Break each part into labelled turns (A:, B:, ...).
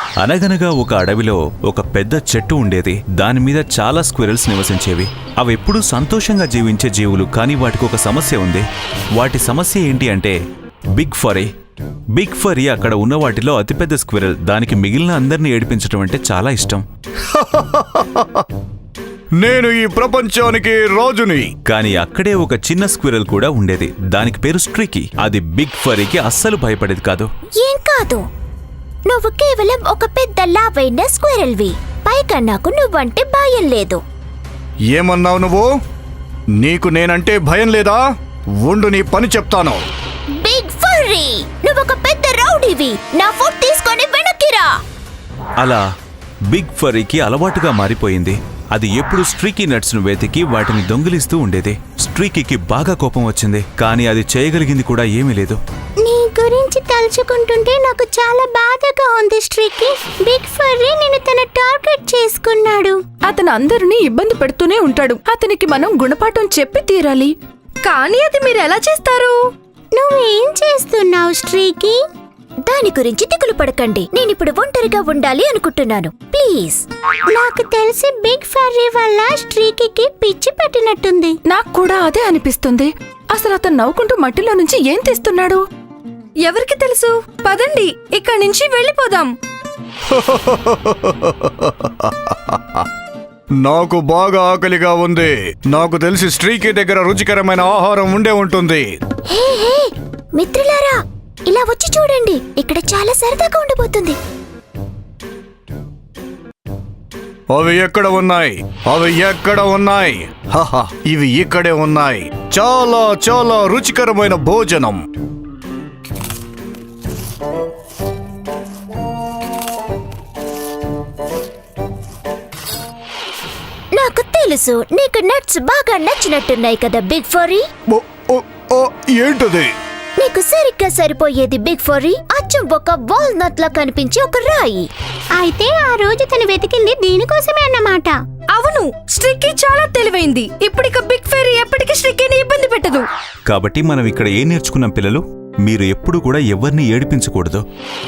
A: అనగనగా ఒక అడవిలో ఒక పెద్ద చెట్టు ఉండేది. దానిమీద చాలా స్క్విరల్స్ నివసించేవి. అవెప్పుడూ సంతోషంగా జీవించే జీవులు. కానీ వాటికి ఒక సమస్య ఉంది. వాటి సమస్య ఏంటి అంటే బిగ్ ఫరీ. బిగ్ ఫరీ అక్కడ ఉన్న వాటిలో అతిపెద్ద స్క్విరల్. దానికి మిగిలిన అందరినీ ఏడిపించడం అంటే చాలా ఇష్టం.
B: నేను ఈ ప్రపంచానికి రాజుని.
A: కానీ అక్కడే ఒక చిన్న స్క్విరల్ కూడా ఉండేది. దానికి పేరు స్ట్రీకీ. అది బిగ్ ఫరీకి అస్సలు భయపడేది కాదు.
C: ఏం కాదు, నువ్వు కేవలం ఒక పెద్ద లావైన స్క్విరల్వి. పైగా నాకు నువ్వంటే భయం లేదు.
B: ఏమన్నావు నువ్వు? నీకు నేనంటే భయం లేదా? ఉండు, నీ పని చెప్తాను.
C: బిగ్ ఫర్రీ, నువ్వొక పెద్ద రౌడీవి. నా ఫుడ్ తీసుకొని వెనక్కిరా.
A: అలా బిగ్ ఫరీకి అలవాటుగా మారిపోయింది. అది ఎప్పుడు స్ట్రీకీ నట్స్ ను వెతికి వాటిని దొంగిలిస్తూ ఉండేది. స్ట్రీకీకి బాగా కోపం వచ్చింది. కానీ అది చేయగలిగింది కూడా ఏమీ లేదు.
C: నీ గురించి తలుచుకుంటుంటే నాకు చాలా బాధగా ఉంది స్ట్రీకీ. బిగ్ ఫర్రీ నిన్ను తన టార్గెట్ చేసుకున్నాడు.
D: అతను అందరినీ ఇబ్బంది పెడుతూనే ఉంటాడు. అతనికి మనం గుణపాఠం చెప్పి తీరాలి. కానీ అది మీరు ఎలా చేస్తారు?
C: నువ్వేం చేస్తున్నావు స్ట్రీకీ? దాని గురించి దిగులు పడకండి. నేనిప్పుడు ఒంటరిగా ఉండాలి అనుకుంటున్నాను. ప్లీజ్. నాకు తెలిసి బిగ్ ఫర్రీ వల్ల స్ట్రీకీకి పిచ్చి పట్టినట్టుంది.
D: నాకు కూడా అదే అనిపిస్తుంది. అసలు అతను నవ్వుకుంటూ మట్టిలో నుంచి ఏం తీస్తున్నాడు? ఎవరికి తెలుసు? పదండి, ఇక్కడి నుంచి వెళ్ళిపోదాం.
B: నాకు బాగా ఆకలిగా ఉంది. నాకు తెలిసి స్ట్రీకీ దగ్గర రుచికరమైన ఆహారం ఉండే ఉంటుంది.
C: హే హే మిత్రులారా, ఇలా వచ్చి చూడండి. ఇక్కడ చాలా సరదాగా ఉండబోతుంది.
B: అవి ఎక్కడ ఉన్నాయి? అవి ఎక్కడ ఉన్నాయి? హహ, ఇవి ఇక్కడే ఉన్నాయి. చాలా చాలా రుచికరమైన భోజనం.
C: నాకు తెలుసు నీకు నట్స్ బాగా నచ్చినట్టున్నాయి కదా బిగ్ ఫర్రీ.
B: ఏంటది?
C: నీకు సరిగ్గా సరిపోయేది బిగ్ ఫర్రీ. అచ్చం ఒక వాల్నట్ లా కనిపించే ఒక రాయి. అయితే ఆ రోజు తను వెతికింది దీనికోసమే అన్నమాట.
D: అవును, స్ట్రీకీ చాలా తెలివైంది. ఇప్పటిక బిగ్ ఫెరీ ఎప్పటికీ స్ట్రీకీని ఇబ్బంది పెట్టదు.
A: కాబట్టి మనం ఇక్కడ ఏం నేర్చుకున్నాం పిల్లలు? మీరు ఎప్పుడు కూడా ఎవరిని ఏడిపించకూడదు.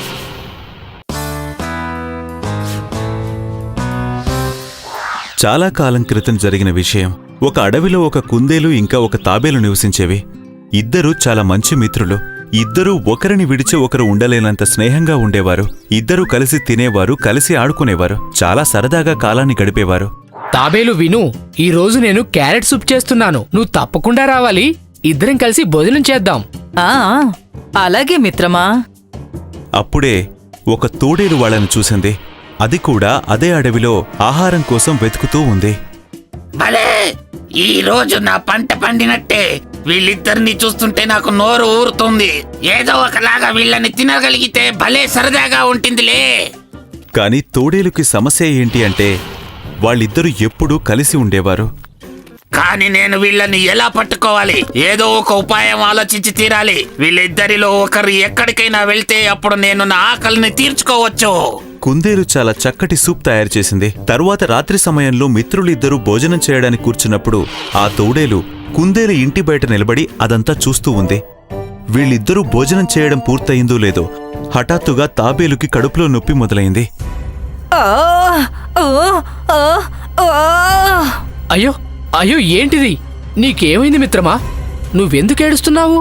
A: చాలా కాలం క్రితం జరిగిన విషయం. ఒక అడవిలో ఒక కుందేలు ఇంకా ఒక తాబేలు నివసించేవి. ఇద్దరూ చాలా మంచి మిత్రులు. ఇద్దరూ ఒకరిని విడిచి ఒకరు ఉండలేనంత స్నేహంగా ఉండేవారు. ఇద్దరూ కలిసి తినేవారు, కలిసి ఆడుకునేవారు. చాలా సరదాగా కాలాన్ని గడిపేవారు.
E: తాబేలు విను, ఈ రోజు నేను క్యారెట్ సూప్ చేస్తున్నాను. నువ్వు తప్పకుండా రావాలి. ఇద్దరం కలిసి భోజనం చేద్దాం.
D: అలాగే మిత్రమా.
A: అప్పుడే ఒక తోడేలు వాళ్ళని చూసింది. అది కూడా అదే అడవిలో ఆహారం కోసం వెతుకుతూ ఉంది.
F: భలే, ఈ రోజు నా పంట పండినట్టే. వీళ్ళిద్దరిని చూస్తుంటే నాకు నోరు ఊరుతుంది. ఏదో ఒకలాగా వీళ్ళని తినగలిగితే భలే సరదాగా ఉంటుందిలే.
A: కాని తోడేలుకి సమస్య ఏంటి అంటే వాళ్ళిద్దరూ ఎప్పుడూ కలిసి ఉండేవారు.
F: కానీ నేను వీళ్ళని ఎలా పట్టుకోవాలి? ఏదో ఒక ఉపాయం ఆలోచించి తీరాలి. వీళ్ళిద్దరిలో ఒకరు ఎక్కడికైనా వెళ్తే అప్పుడు నేను నా ఆకలిని తీర్చుకోవచ్చు.
A: కుందేలు చాలా చక్కటి సూప్ తయారు చేసింది. తరువాత రాత్రి సమయంలో మిత్రులిద్దరూ భోజనం చేయడానికి కూర్చున్నప్పుడు ఆ తోడేలు కుందేలు ఇంటి బయట నిలబడి అదంతా చూస్తూ ఉంది. వీళ్ళిద్దరూ భోజనం చేయడం పూర్తయిందో లేదో హఠాత్తుగా తాబేలుకి కడుపులో నొప్పి మొదలైంది.
E: అయ్యో అయ్యో, ఏంటిది? నీకేమైంది మిత్రమా? నువ్వెందుకు ఏడుస్తున్నావు?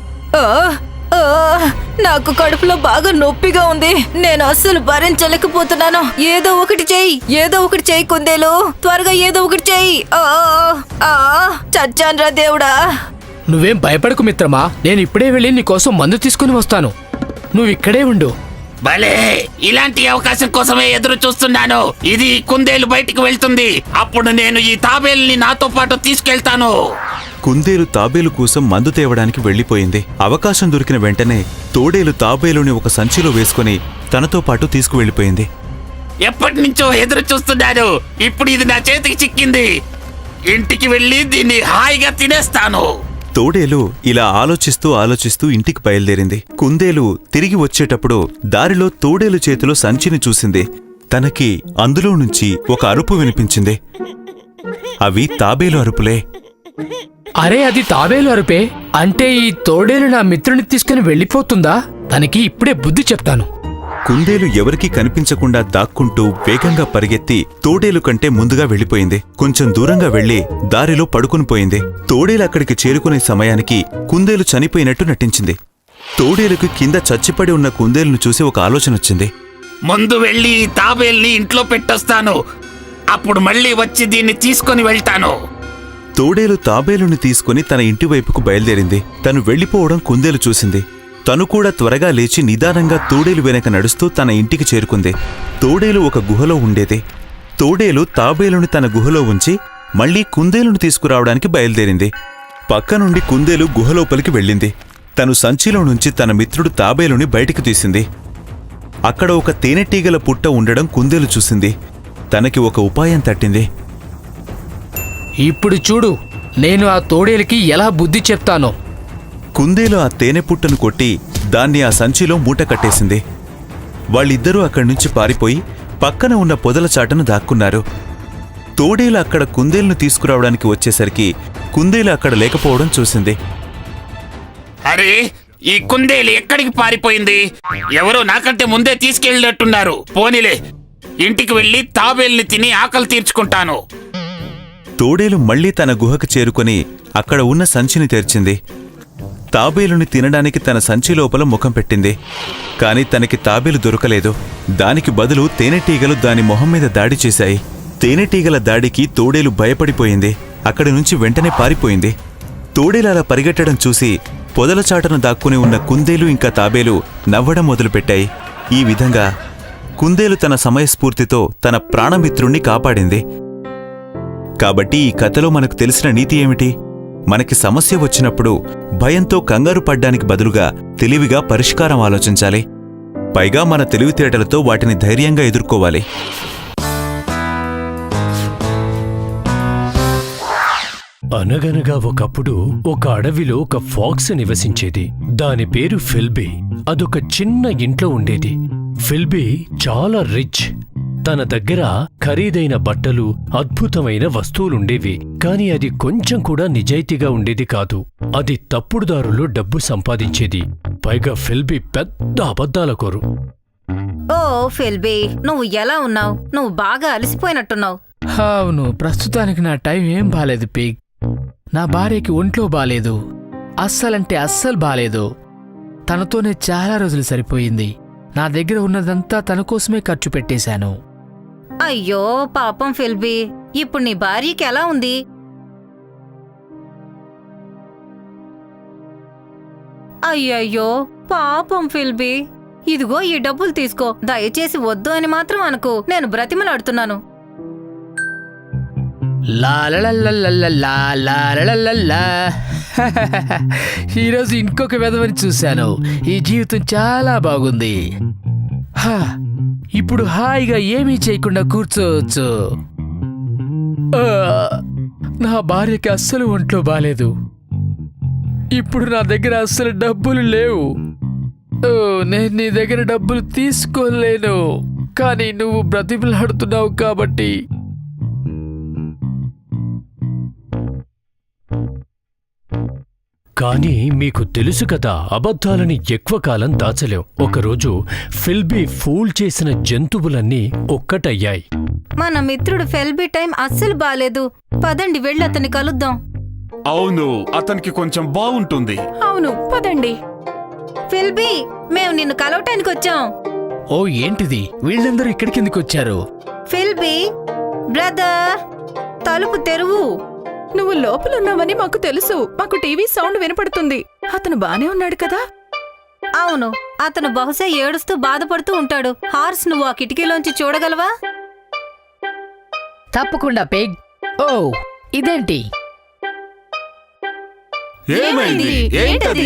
D: నాకు కడుపులో బాగా నొప్పిగా ఉంది. నేను అస్సలు భరించలేకపోతున్నాను. ఏదో ఒకటి చెయ్యి కుందేలు. త్వరగా ఏదో ఒకటి చెయ్యి. చచ్చాన్రా దేవుడా.
E: నువ్వేం భయపడకు మిత్రమా. నేను ఇప్పుడే వెళ్ళి నీకోసం మందు తీసుకుని వస్తాను. నువ్విక్కడే ఉండు.
F: భలే, ఇలాంటి అవకాశం కోసమే ఎదురు చూస్తున్నాను. ఇది కుందేలు బయటికి వెళ్తుంది. అప్పుడు నేను ఈ తాబేలుని నాతో పాటు తీసుకెళ్తాను.
A: కుందేలు తాబేలు కోసం మందు తేవడానికి వెళ్లిపోయింది. అవకాశం దొరికిన వెంటనే తోడేలు తాబేలుని ఒక సంచిలో వేసుకుని తనతో పాటు తీసుకువెళ్లిపోయింది.
F: ఎప్పటి నుంచో ఎదురు చూస్తున్నాను. ఇప్పుడు ఇది నా చేతికి చిక్కింది. ఇంటికి వెళ్ళి దీన్ని హాయిగా తినేస్తాను.
A: తోడేలు ఇలా ఆలోచిస్తూ ఇంటికి బయలుదేరింది. కుందేలు తిరిగి వచ్చేటప్పుడు దారిలో తోడేలు చేతిలో సంచిని చూసింది. తనకి అందులో నుంచి ఒక అరుపు వినిపించింది. అవి తాబేలు అరుపులే.
E: అరే, అది తాబేలు అరుపే. అంటే ఈ తోడేలు నా మిత్రుని తీసుకుని వెళ్ళిపోతుందా? తనకి ఇప్పుడే బుద్ధి చెప్తాను.
A: కుందేలు ఎవరికీ కనిపించకుండా దాక్కుంటూ వేగంగా పరిగెత్తి తోడేలు కంటే ముందుగా వెళ్ళిపోయింది. కొంచెం దూరంగా వెళ్లి దారిలో పడుకునిపోయింది. తోడేలు అక్కడికి చేరుకునే సమయానికి కుందేలు చనిపోయినట్టు నటించింది. తోడేలుకు కింద చచ్చిపడి ఉన్న కుందేలును చూసి ఒక ఆలోచన వచ్చింది.
F: ముందు వెళ్ళి ఈ తాబేల్ని ఇంట్లో పెట్టొస్తాను. అప్పుడు మళ్ళీ వచ్చి దీన్ని తీసుకొని వెళ్తాను.
A: తోడేలు తాబేలుని తీసుకుని తన ఇంటివైపుకు బయలుదేరింది. తను వెళ్లిపోవడం కుందేలు చూసింది. తను కూడా త్వరగా లేచి నిదానంగా తోడేలు వెనక నడుస్తూ తన ఇంటికి చేరుకుంది. తోడేలు ఒక గుహలో ఉండేది. తోడేలు తాబేలుని తన గుహలో ఉంచి మళ్లీ కుందేలును తీసుకురావడానికి బయలుదేరింది. పక్క నుండి కుందేలు గుహలోపలికి వెళ్ళింది. తను సంచిలో నుంచి తన మిత్రుడు తాబేలుని బయటికి తీసింది. అక్కడ ఒక తేనెటీగల పుట్ట ఉండడం కుందేలు చూసింది. తనకి ఒక ఉపాయం తట్టింది.
E: ఇప్పుడు చూడు, నేను ఆ తోడేలుకి ఎలా బుద్ధి చెప్తానో.
A: కుందేలు ఆ తేనె పుట్టను కొట్టి దాన్ని ఆ సంచిలో మూట కట్టేసింది. వాళ్ళిద్దరూ అక్కడి నుంచి పారిపోయి పక్కన ఉన్న పొదల చాటను దాక్కున్నారు. తోడేలు అక్కడ కుందేలును తీసుకురావడానికి వచ్చేసరికి కుందేలు అక్కడ లేకపోవడం చూసింది.
F: అరే, ఈ కుందేలు ఎక్కడికి పారిపోయింది? ఎవరో నాకంటే ముందే తీసుకెళ్ళినట్టున్నారు. పోనీలే, ఇంటికి వెళ్ళి తాబేల్ని తిని ఆకలి తీర్చుకుంటాను.
A: తోడేలు మళ్లీ తన గుహకు చేరుకొని అక్కడ ఉన్న సంచిని తెరిచింది. తాబేలుని తినడానికి తన సంచి లోపల ముఖం పెట్టింది. కాని తనకి తాబేలు దొరకలేదు. దానికి బదులు తేనెటీగలు దాని మొహం మీద దాడి చేశాయి. తేనెటీగల దాడికి తోడేలు భయపడిపోయింది. అక్కడి నుంచి వెంటనే పారిపోయింది. తోడేలు అలా పరిగెట్టడం చూసి పొదల చాటను దాక్కుని ఉన్న కుందేలు ఇంకా తాబేలు నవ్వడం మొదలుపెట్టాయి. ఈ విధంగా కుందేలు తన సమయస్ఫూర్తితో తన ప్రాణమిత్రుణ్ణి కాపాడింది. కాబట్టి ఈ కథలో మనకు తెలిసిన నీతి ఏమిటి? మనకి సమస్య వచ్చినప్పుడు భయంతో కంగారు పడ్డానికి బదులుగా తెలివిగా పరిష్కారం ఆలోచించాలి. పైగా మన తెలివితేటలతో వాటిని ధైర్యంగా ఎదుర్కోవాలి.
G: అనగనగా ఒకప్పుడు ఒక అడవిలో ఒక ఫాక్స్ నివసించేది. దాని పేరు ఫిల్బీ. అదొక చిన్న ఇంట్లో ఉండేది. ఫిల్బీ చాలా రిచ్. తన దగ్గర ఖరీదైన బట్టలు, అద్భుతమైన వస్తువులుండేవి. కాని అది కొంచెం కూడా నిజాయితీగా ఉండేది కాదు. అది తప్పుడు దారుల్లో డబ్బు సంపాదించేది. పైగా ఫిల్బీ పెద్ద అబద్ధాలకోరు.
D: ఓ ఫిల్బీ, నువ్వు ఎలా ఉన్నావు? నువ్వు బాగా అలసిపోయినట్టున్నావు.
E: అవును, ప్రస్తుతానికి నా టైం ఏం బాలేదు పిగ్. నా భార్యకి ఒంట్లో బాలేదు. అస్సలంటే అస్సలు బాలేదు. తనతోనే చాలా రోజులు సరిపోయింది. నా దగ్గర ఉన్నదంతా తన కోసమే ఖర్చు పెట్టేశాను.
D: అయ్యో పాపం ఫిల్బీ, ఇప్పుడు నీ భార్యకి ఎలా ఉంది? అయ్యయ్యో పాపం ఫిల్బీ, ఇదిగో ఈ డబ్బులు తీసుకో. దయచేసి వద్దు అని మాత్రం అనుకో. నేను బ్రతిమలాడుతున్నాను.
E: ఈరోజు ఇంకొక విధవని చూశాను. ఈ జీవితం చాలా బాగుంది. ఇప్పుడు హాయిగా ఏమీ చేయకుండా కూర్చోవచ్చు. నా భార్యకి అస్సలు ఒంట్లో బాలేదు. ఇప్పుడు నా దగ్గర అస్సలు డబ్బులు లేవు. నేను నీ దగ్గర డబ్బులు తీసుకోలేను. కానీ నువ్వు బ్రతిమలాడుతున్నావు కాబట్టి.
G: కానీ మీకు తెలుసు కదా, అబద్ధాలని ఎక్కువ కాలం దాచలేం. ఒకరోజు ఫిల్బీ ఫూల్ చేసిన జంతువులన్నీ ఒక్కటయ్యాయి.
D: మన మిత్రుడు ఫిల్బీ టైం అస్సలు బాలేదు. పదండి, వెళ్ళి అతన్ని కలుద్దాం.
H: అవును, అతనికి కొంచెం బాగుంటుంది.
D: అవును, పదండి. ఫిల్బీ, మేము నిన్ను కలవటానికి వచ్చాం.
E: ఓ ఏంటిది? వీళ్ళందరూ ఇక్కడికి ఎందుకు వచ్చారు?
D: ఫిల్బీ బ్రదర్, తలుపు తెరువు.
I: నువ్వు లోపలున్నావని మాకు తెలుసు. మాకు టీవీ సౌండ్ వినపడుతుంది. అతను బానే ఉన్నాడు కదా?
D: అవును, అతను బహుశా ఏడుస్తూ బాధపడుతూ ఉంటాడు. హార్స్, నువ్వు ఆ కిటికీలోంచి చూడగలవా?
E: తప్పకుండా పిగ్. ఓ ఇదేంటి?
H: ఏమైంది? ఏంటది?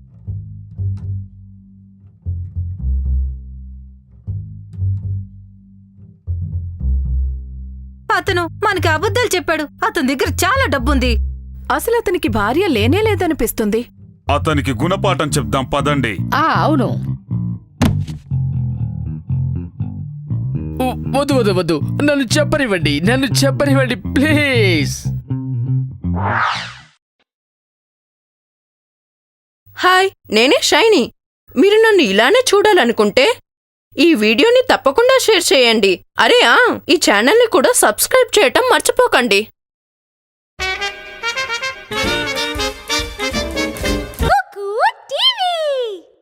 D: అతను మనకి అబద్ధాలు చెప్పాడు. అతని దగ్గర చాలా డబ్బుంది.
I: అసలు అతనికి భార్య లేనే లేదనిపిస్తుంది.
H: అతనికి గుణపాఠం చెప్దాం పదండి.
E: అవును. వద్దు వద్దు వద్దు, నన్ను చెప్పనివ్వండి ప్లీజ్.
J: హాయ్, నేనే షైనీ. మీరు నన్ను ఇలానే చూడాలనుకుంటే
I: ఈ వీడియోని తప్పకుండా షేర్ చేయండి. అరే ఈ ఛానల్ని కూడా సబ్స్క్రైబ్ చేయటం మర్చిపోకండి.